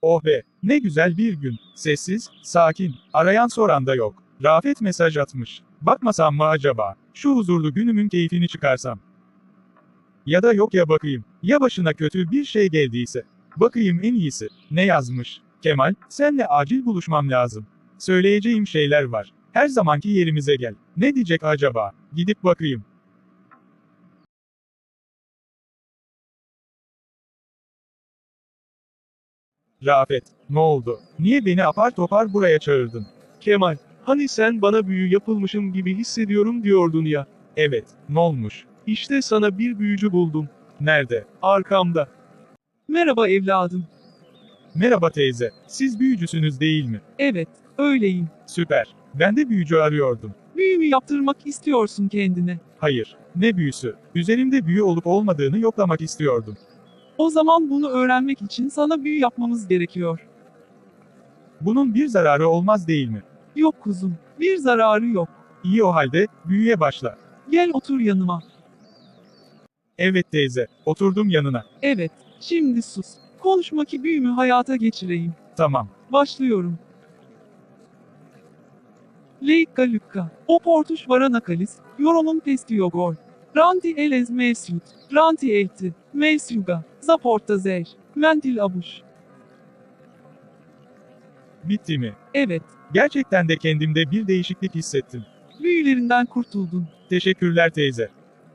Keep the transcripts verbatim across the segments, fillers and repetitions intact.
Oh be, ne güzel bir gün. Sessiz, sakin, arayan soran da yok. Rafet mesaj atmış. Bakmasam mı acaba? Şu huzurlu günümün keyfini çıkarsam. Ya da yok ya bakayım. Ya başına kötü bir şey geldiyse. Bakayım en iyisi. Ne yazmış? Kemal, senle acil buluşmam lazım. Söyleyeceğim şeyler var. Her zamanki yerimize gel. Ne diyecek acaba? Gidip bakayım. Rafet, ne oldu? Niye beni apar topar buraya çağırdın? Kemal, hani sen bana büyü yapılmışım gibi hissediyorum diyordun ya. Evet, ne olmuş? İşte sana bir büyücü buldum. Nerede? Arkamda. Merhaba evladım. Merhaba teyze, siz büyücüsünüz değil mi? Evet, öyleyim. Süper. Ben de büyücü arıyordum. Büyümü yaptırmak istiyorsun kendine. Hayır, ne büyüsü? Üzerimde büyü olup olmadığını yoklamak istiyordum. O zaman bunu öğrenmek için sana büyü yapmamız gerekiyor. Bunun bir zararı olmaz değil mi? Yok kuzum, bir zararı yok. İyi o halde, büyüye başla. Gel otur yanıma. Evet teyze, oturdum yanına. Evet, şimdi sus. Konuşma ki büyümü hayata geçireyim. Tamam. Başlıyorum. Leikka lükka. Oportuş varanakalis. Yorolum pestiyogol. Ranti elez mesyut. Ranti elti. Mesyuga. Zaporta zer. Mentil abuş. Bitti mi? Evet, Gerçekten de kendimde bir değişiklik hissettim. büyülerinden kurtuldun. Teşekkürler teyze.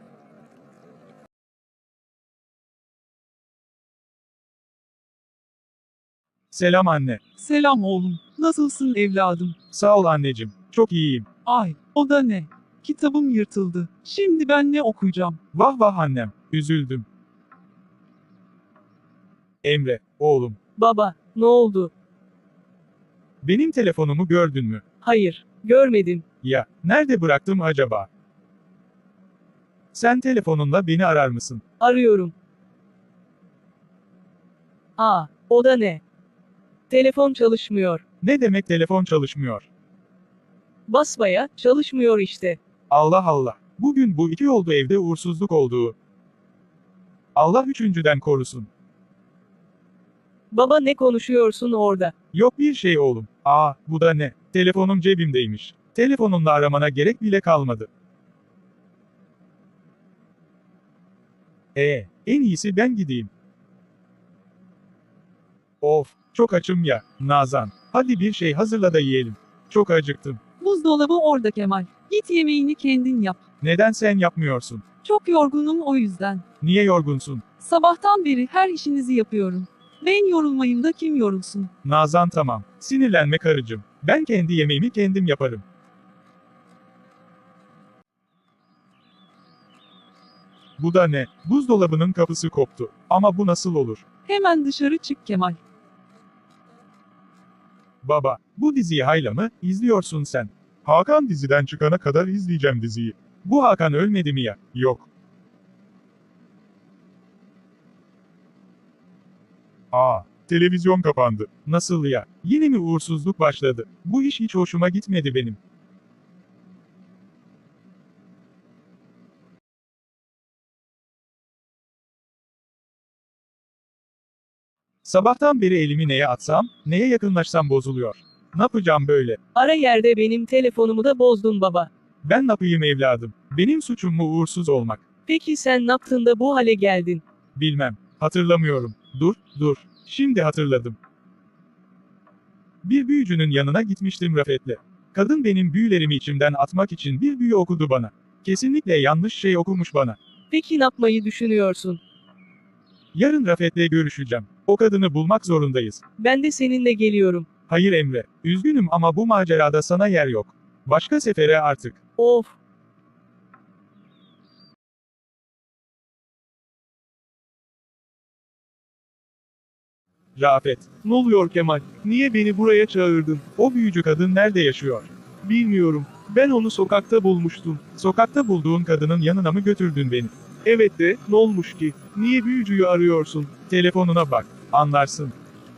Selam anne. Selam oğlum. Nasılsın evladım? Sağ ol anneciğim. Çok iyiyim. Ay, o da ne? Kitabım yırtıldı. Şimdi ben ne okuyacağım? Vah vah annem. Üzüldüm. Emre, oğlum. Baba, ne oldu? Benim telefonumu gördün mü? Hayır, görmedim. Ya, nerede bıraktım acaba? Sen telefonunla beni arar mısın? Arıyorum. Aa, o da ne? Telefon çalışmıyor. Ne demek telefon çalışmıyor? Basbaya, çalışmıyor işte. Allah Allah. Bugün bu iki oldu evde uğursuzluk olduğu. Allah üçüncüden korusun. Baba ne konuşuyorsun orada? Yok bir şey oğlum. Aa, bu da ne? Telefonum cebimdeymiş. Telefonunla aramana gerek bile kalmadı. Ee, en iyisi ben gideyim. Of, çok açım ya, Nazan. Hadi bir şey hazırla da yiyelim. Çok acıktım. Buzdolabı orada Kemal. Git yemeğini kendin yap. Neden sen yapmıyorsun? Çok yorgunum o yüzden. Niye yorgunsun? Sabahtan beri her işinizi yapıyorum. Ben yorulmayayım da kim yorulsun? Nazan tamam. Sinirlenme karıcığım. Ben kendi yemeğimi kendim yaparım. Bu da ne? Buzdolabının kapısı koptu. Ama bu nasıl olur? Hemen dışarı çık Kemal. Baba, bu diziyi hayla mı izliyorsun sen? Hakan diziden çıkana kadar izleyeceğim diziyi. Bu Hakan ölmedi mi ya? Yok. Aa, televizyon kapandı. Nasıl ya? Yine mi uğursuzluk başladı? Bu iş hiç hoşuma gitmedi benim. Sabahtan beri elimi neye atsam, neye yakınlaşsam bozuluyor. Ne yapacağım böyle? Ara yerde benim telefonumu da bozdun baba. Ben ne yapayım evladım? Benim suçum mu uğursuz olmak? Peki sen ne yaptın da bu hale geldin? Bilmem. Hatırlamıyorum. Dur, dur. Şimdi hatırladım. Bir büyücünün yanına gitmiştim Rafet'le. Kadın benim büyülerimi içimden atmak için bir büyü okudu bana. Kesinlikle yanlış şey okumuş bana. Peki ne yapmayı düşünüyorsun? Yarın Rafet'le görüşeceğim. O kadını bulmak zorundayız. Ben de seninle geliyorum. Hayır Emre. Üzgünüm ama bu macerada sana yer yok. Başka sefere artık. Of. Rafet. Ne oluyor Kemal? Niye beni buraya çağırdın? O büyücü kadın nerede yaşıyor? Bilmiyorum. Ben onu sokakta bulmuştum. Sokakta bulduğun kadının yanına mı götürdün beni? Evet de, ne olmuş ki? Niye büyücüyü arıyorsun? Telefonuna bak. Anlarsın.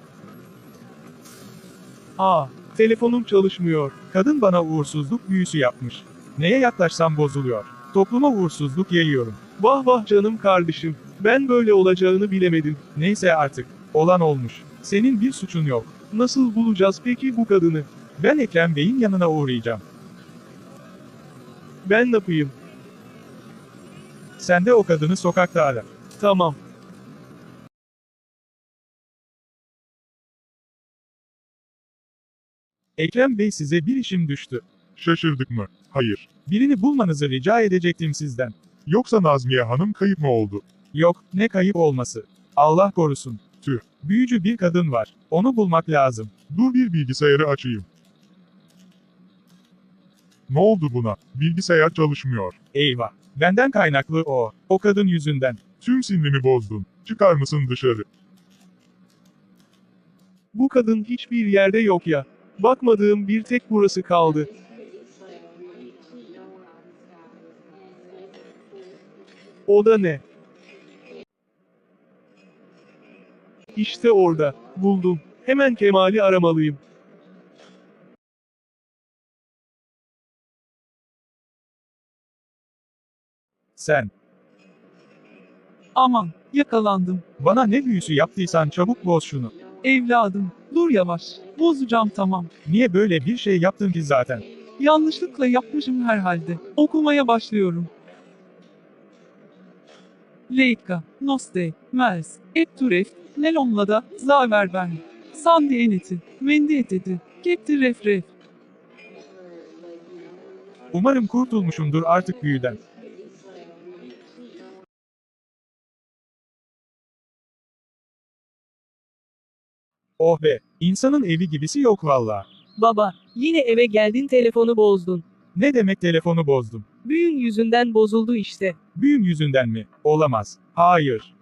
Aa, telefonum çalışmıyor. Kadın bana uğursuzluk büyüsü yapmış. Neye yaklaşsam bozuluyor. Topluma uğursuzluk yayıyorum. Vah vah canım kardeşim. Ben böyle olacağını bilemedim. Neyse artık. Olan olmuş. Senin bir suçun yok. Nasıl bulacağız peki bu kadını? Ben Ekrem Bey'in yanına uğrayacağım. Ben ne yapayım? Sen de o kadını sokakta ara. Tamam. Ekrem Bey, size bir işim düştü. Şaşırdık mı? Hayır. Birini bulmanızı rica edecektim sizden. Yoksa Nazmiye Hanım kayıp mı oldu? Yok, ne kayıp olması. Allah korusun. Tüh. Büyücü bir kadın var. Onu bulmak lazım. Dur bir bilgisayarı açayım. Ne oldu buna? Bilgisayar çalışmıyor. Eyvah. Benden kaynaklı o. O kadın yüzünden. Tüm sinirimi bozdun. Çıkar mısın dışarı? Bu kadın hiçbir yerde yok ya. Bakmadığım bir tek burası kaldı. O da ne? İşte orada. Buldum. Hemen Kemal'i aramalıyım. Sen. Aman, yakalandım. Bana ne büyüsü yaptıysan çabuk boz şunu. Evladım, dur yavaş. Bozacağım tamam. Niye böyle bir şey yaptın ki zaten? Yanlışlıkla yapmışım herhalde. Okumaya başlıyorum. Leica, Noste, Mers, Etturef, Nelonla'da, Zaverbern, Sandi Eneti, Mendi Eteti, Kepti Ref Ref. Umarım kurtulmuşumdur artık büyüden. Oh be, insanın evi gibisi yok valla. Baba, yine eve geldin telefonu bozdun. Ne demek telefonu bozdum? Büyün yüzünden bozuldu işte. Büyüm yüzünden mi? Olamaz. Hayır.